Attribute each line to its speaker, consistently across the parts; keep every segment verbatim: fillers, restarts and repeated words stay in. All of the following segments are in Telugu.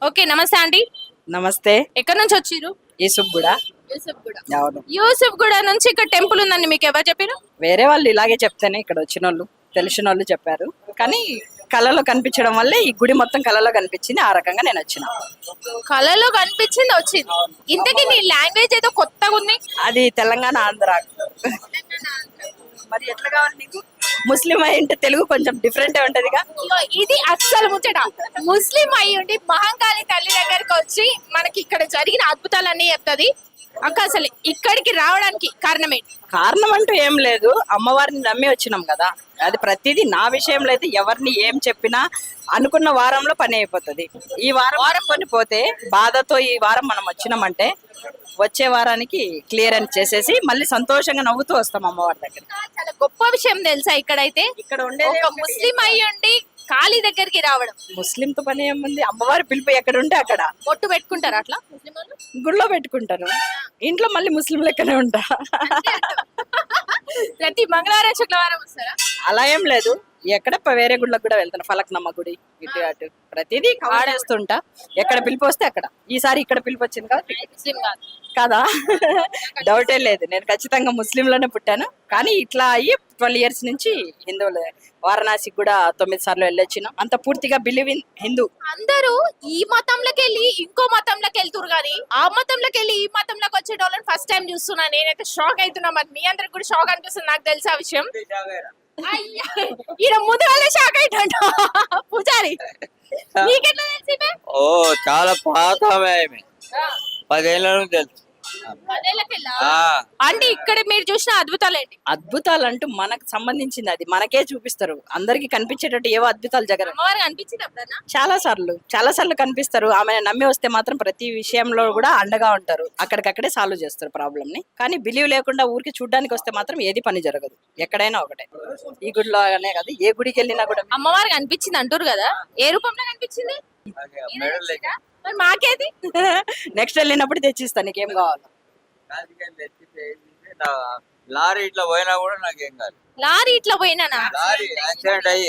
Speaker 1: ఓకే, నమస్తే అండి.
Speaker 2: నమస్తే.
Speaker 1: ఎక్కడి నుంచి వచ్చిర్రు?
Speaker 2: యూసుఫ్ కూడా.
Speaker 1: యూసుఫ్ గూడ.
Speaker 2: అవును.
Speaker 1: యూసుఫ్ గూడ నుంచి ఇక్కడ టెంపుల్ ఉందని మీకు ఎవరు చెప్పారు?
Speaker 2: వేరే వాళ్ళు ఇలాగే చెప్తేనే ఇక్కడ వచ్చిన వాళ్ళు తెలిసిన వాళ్ళు చెప్పారు. కానీ కళలో కనిపించడం వల్లే ఈ గుడి మొత్తం కళలో కనిపించింది. ఆ రకంగా నేను వచ్చిన.
Speaker 1: కళలో కనిపించింది వచ్చింది. ఇంతకీ నీ లాంగ్వేజ్ ఏదో కొత్తగా ఉంది.
Speaker 2: అది తెలంగాణ ఆంధ్ర. మరి ఎట్లా కావాలి నీకు? ముస్లిం అయి ఉంటే తెలుగు కొంచెం డిఫరెంట్ ఉంటదిగా.
Speaker 1: ఇగో ఇది అస్సలు ముచ్చట. ముస్లిం అయి ఉండి మహంకాళి తల్లి దగ్గరికి వచ్చి మనకి ఇక్కడ జరిగిన అద్భుతాలన్నీ చెప్తుంది. అక్క అసలు ఇక్కడికి రావడానికి కారణం ఏంటి?
Speaker 2: కారణం అంటూ ఏం లేదు, అమ్మవారిని నమ్మి వచ్చినాం కదా. అది ప్రతిదీ నా విషయంలో అయితే ఎవరిని ఏం చెప్పినా అనుకున్న వారంలో పని అయిపోతుంది. ఈ వారం వారం కొని పోతే బాధతో ఈ వారం మనం వచ్చినామంటే వచ్చే వారానికి క్లియర్ అని చేసేసి మళ్ళీ సంతోషంగా నవ్వుతూ వస్తాం అమ్మవారి దగ్గర.
Speaker 1: చాలా గొప్ప విషయం తెలుసా ఇక్కడైతే
Speaker 2: ఇక్కడ ఉండే
Speaker 1: ఒక ముస్లిం అయి ఉండి కాళీ దగ్గరికి రావడం.
Speaker 2: ముస్లింతో పని ఏముంది, అమ్మవారి పిలుపు ఎక్కడ ఉంటే అక్కడ
Speaker 1: బొట్టు పెట్టుకుంటారు అట్లా ముస్లిం వాళ్ళు.
Speaker 2: గుళ్ళో పెట్టుకుంటాను, ఇంట్లో మళ్ళీ ముస్లిం లెక్కనే ఉంటా.
Speaker 1: ప్రతి మంగళవారం శుక్రవారం వస్తారా?
Speaker 2: అలా ఏం లేదు, ఎక్కడ ప- వేరే గుళ్ళకి కూడా వెళ్తాను. ఫలక్నమ్మ గుడి ఇటు అటు ప్రతిదీ ఆడేస్తుంటా. ఎక్కడ పిలుపు వస్తే అక్కడ. ఈసారి ఇక్కడ పిలుపు వచ్చింది కదా,
Speaker 1: ముస్లిం కాదు
Speaker 2: కదా. డౌటే లేదు, నేను ఖచ్చితంగా ముస్లింలోనే పుట్టాను. కానీ ఇట్లా అయ్యి ట్వెల్వ్ ఇయర్స్ నుంచి హిందువులు. వారణాసికి కూడా తొమ్మిది సార్లు వెళ్ళొచ్చిన. అంత పూర్తిగా బిలీవ్ ఇన్ హిందూ.
Speaker 1: అందరూ ఈ మతంలోకి వెళ్ళి ఇంకో మతంలోకి వెళ్తురు కానీ ఆ మతంలోకి వెళ్ళి ఈ మతంలోకి వచ్చే వాళ్ళని ఫస్ట్ టైం చూస్తున్నా. నేనైతే షాక్ అవుతున్నా. మరి మీ అందరికి కూడా షాక్ అనిపిస్తుంది, నాకు తెలిసి ఆ విషయం. అయ్యా, ఈయన ముందు వాళ్ళే షాక్ అవుతాడు. పూజారి నీకెట్లా తెలిసి బే?
Speaker 3: ఓ చాలా పాత ఆమె. పదేళ్ళ నుంచి తెలుసు.
Speaker 1: పదేళ్ళకెళ్ళా?
Speaker 3: ఆ,
Speaker 1: అంటే ఇక్కడ మీరు చూసిన అద్భుతాలు ఏంటి?
Speaker 2: అద్భుతాలు అంటూ మనకు సంబంధించింది, అది మనకే చూపిస్తారు. అందరికి కనిపించేటట్టు ఏవో అద్భుతాలు జగన్
Speaker 1: అమ్మవారు అనిపించింది ఎప్పుడన్నా?
Speaker 2: చాలా సార్లు చాలా సార్లు కనిపిస్తారు. ఆమె నమ్మి వస్తే మాత్రం ప్రతి విషయంలో కూడా అండగా ఉంటారు. అక్కడికక్కడే సాల్వ్ చేస్తారు ప్రాబ్లమ్ ని. కానీ బిలీవ్ లేకుండా ఊరికి చూడడానికి వస్తే మాత్రం ఏది పని జరగదు. ఎక్కడైనా ఒకటే. ఈ గుడిలో అనే కాదు, ఏ గుడికి వెళ్ళినా కూడా.
Speaker 1: అమ్మవారు కనిపించింది అంటారు కదా, ఏ రూపంలో కనిపించింది?
Speaker 3: మెడల్ లెక్క.
Speaker 1: మరి మాకేది?
Speaker 2: నెక్స్ట్ వెళ్ళినప్పుడు తెచ్చిస్తా, నీకేం కావాలి.
Speaker 3: కాజుకాయలు తెచ్చితే ఏంటంటే నా లారీ ఇట్లా పోయినా కూడా నాకేం కాదు.
Speaker 1: లారీ ఇట్లా పోయినానా?
Speaker 3: లారీ యాక్సిడెంట్ అయ్యి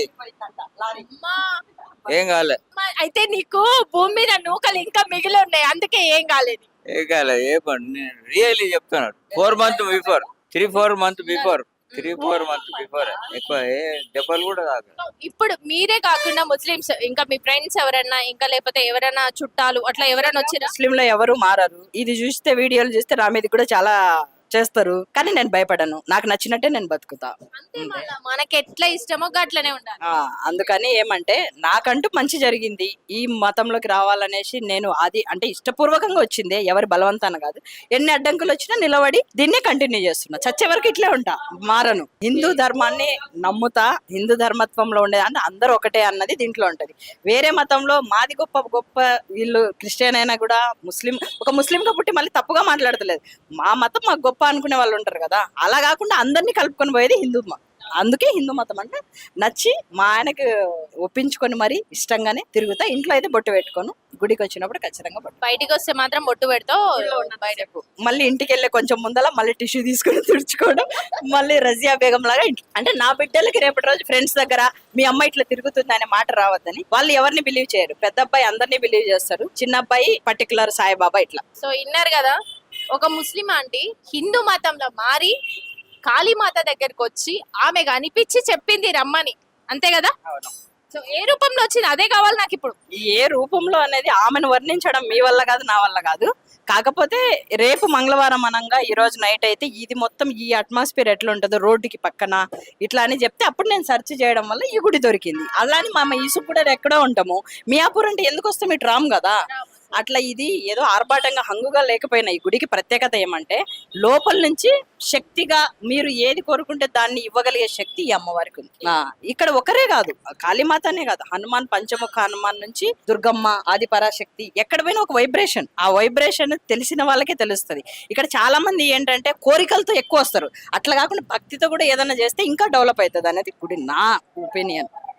Speaker 1: అమ్మా.
Speaker 3: ఏం కాలే.
Speaker 1: అమ్మా, అయితే నీకు భూమి మీద నూకలు ఇంకా మిగిలి ఉన్నాయి, అందుకే ఏం కాలేదు.
Speaker 3: ఏం కాలే. ఏ పని నేను రియల్లీ చెప్తున్నాను. Four month before three four month before three four month before ఎక్కువ ఏ దెబ్బలు కూడా కాదు.
Speaker 1: ఇప్పుడు మీరే కాకుండా ముస్లిమ్స్ ఇంకా మీ ఫ్రెండ్స్ ఎవరన్నా ఇంకా లేకపోతే ఎవరైనా చుట్టాలు అట్లా ఎవరైనా వచ్చిరా?
Speaker 2: ముస్లింలో ఎవరు మారరు. ఇది చూస్తే వీడియోలు చూస్తే నా మీద కూడా చాలా చేస్తారు. కానీ నేను భయపడను, నాకు నచ్చినట్టే నేను బతుకుతా.
Speaker 1: అంతే, మళ్ళా మనకి ఎట్లా ఇష్టమో గట్లనే ఉండాలి.
Speaker 2: ఆ అందుకని ఏమంటే నాకంటూ మంచి జరిగింది. ఈ మతంలోకి రావాలనేసి నేను అది అంటే ఇష్టపూర్వకంగా వచ్చింది, ఎవరి బలవంతాన కాదు. ఎన్ని అడ్డంకులు వచ్చినా నిలబడి దీన్నే కంటిన్యూ చేస్తున్నా. చచ్చే వరకు ఇట్లే ఉంటా, మారను. హిందూ ధర్మాన్ని నమ్ముతా. హిందూ ధర్మత్వంలో ఉండేది అంటే అందరూ ఒకటే అన్నది దీంట్లో ఉంటది. వేరే మతంలో మాది గొప్ప గొప్ప, వీళ్ళు క్రిస్టియన్ అయినా కూడా ముస్లిం, ఒక ముస్లింగా పుట్టి మళ్ళీ తప్పుగా మాట్లాడతలేదు. మా మతం మాకు గొప్ప అనుకునే వాళ్ళు ఉంటారు కదా, అలా కాకుండా అందరినీ కలుపుకొని పోయేది హిందూ మతం. అందుకే హిందూ మతం అంటే నచ్చి మా ఆయనకు ఒప్పించుకొని మరి ఇష్టంగానే తిరుగుతా. ఇంట్లో అయితే బొట్టు పెట్టుకోను, గుడికి వచ్చినప్పుడు ఖచ్చితంగా బొట్టు.
Speaker 1: బయటికి వస్తే మాత్రం బొట్టు పెడతావు. బయటకు
Speaker 2: మళ్ళీ ఇంటికి వెళ్ళే కొంచెం ముందల మళ్ళీ టిష్యూ తీసుకొని తుడుచుకోవడం, మళ్ళీ రజియా బేగం లాగా ఇంటి అంటే నా బిడ్డలకి రేపటి రోజు ఫ్రెండ్స్ దగ్గర మీ అమ్మ ఇట్లా తిరుగుతుంది అనే మాట రావద్దని. వాళ్ళు ఎవరిని బిలీవ్ చేయరు. పెద్ద అబ్బాయి అందరినీ బిలీవ్ చేస్తారు, చిన్న అబ్బాయి పర్టికులర్ సాయిబాబా ఇట్లా.
Speaker 1: సో ఇన్నారు కదా, ఒక ముస్లిం ఆంటీ హిందూ మతంలో మారి కాళీమాత దగ్గరికి వచ్చి ఆమె కనిపించి చెప్పింది రమ్మని, అంతే కదా? సో ఏ రూపంలో వచ్చింది అదే కావాలి నాకు ఇప్పుడు.
Speaker 2: ఏ రూపంలో అనేది ఆమెను వర్ణించడం మీ వల్ల కాదు, నా వల్ల కాదు. కాకపోతే రేపు మంగళవారం అనంగా ఈ రోజు నైట్ అయితే ఇది మొత్తం ఈ అట్మాస్ఫియర్ ఎట్లా ఉంటుందో రోడ్డుకి పక్కన ఇట్లా అని చెప్తే అప్పుడు నేను సెర్చ్ చేయడం వల్ల ఈ గుడి దొరికింది. అలానే మా ఈసుకు కూడా ఎక్కడో ఉంటాము. మియాపూర్ అంటే ఎందుకు వస్తాం, ఇటు రాము కదా. అట్లా ఇది ఏదో ఆర్భాటంగా హంగుగా లేకపోయినా ఈ గుడికి ప్రత్యేకత ఏమంటే లోపల నుంచి శక్తిగా మీరు ఏది కోరుకుంటే దాన్ని ఇవ్వగలిగే శక్తి ఈ అమ్మవారికి ఉంది. ఆ, ఇక్కడ ఒకరే కాదు, కాళీమాతనే కాదు, హనుమాన్ పంచముఖ హనుమాన్ నుంచి దుర్గమ్మ ఆది పరాశక్తి ఎక్కడ పోయినా ఒక వైబ్రేషన్. ఆ వైబ్రేషన్ తెలిసిన వాళ్ళకే తెలుస్తుంది. ఇక్కడ చాలా మంది ఏంటంటే కోరికలతో ఎక్కువ వస్తారు, అట్లా కాకుండా భక్తితో కూడా ఏదైనా చేస్తే ఇంకా డెవలప్ అవుతుంది అనేది గుడి, నా ఒపీనియన్.